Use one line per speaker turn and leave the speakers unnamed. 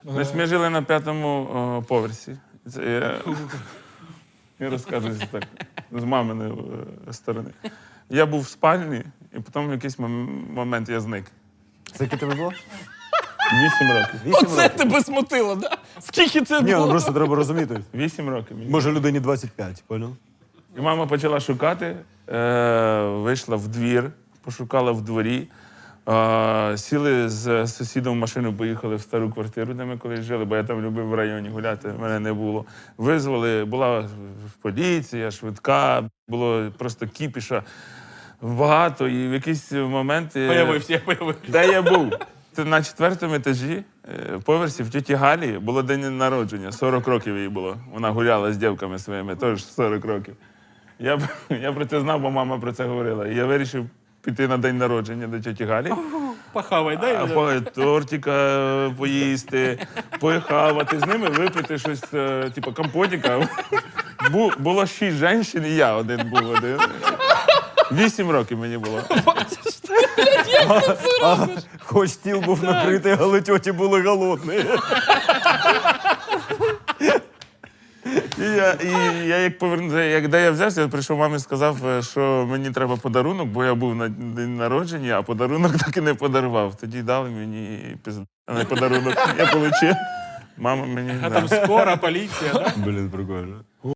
Значить, ми жили на 5-му поверсі. Це я розказую це так, з маминої сторони. Я був в спальні, і потім в якийсь момент я зник.
Скільки тобі було?
8 років.
8
Оце
років.
тебе смутило, да? Скільки це
Ні, ну
було?
просто треба розуміти.
8 років. мені.
Може людині 25, понял?
І мама почала шукати, вийшла в двір, пошукала в дворі. Сіли з сусідом в машину, поїхали в стару квартиру, де ми колись жили, бо я там любив в районі гуляти, мене не було. Визвали, була поліція, швидка, було просто кіпіша багато. І в якийсь момент...
Появився, я появився.
Де я був? Це на 4-му етажі, поверсі, в тіті Галі було день народження, 40 років їй було. Вона гуляла з дівками своїми, теж 40 років. Я про це знав, бо мама про це говорила. І я вирішив піти на день народження до тіті Галі.
Похавай, дай.
Тортика поїсти, похавати, з ними випити щось, типу компотика. Було 6 жінок, і я один був один. 8 років мені було.
Хоч стіл був накритий, але тьоті були голодні.
І я як повернувся, де я взявся, я прийшов мамі і сказав, що мені треба подарунок, бо я був на день народження, а подарунок так і не подарував. Тоді дали мені не подарунок. Я отримав. Мама мені...
А там скоро, поліція, да?
Блін, прикольно.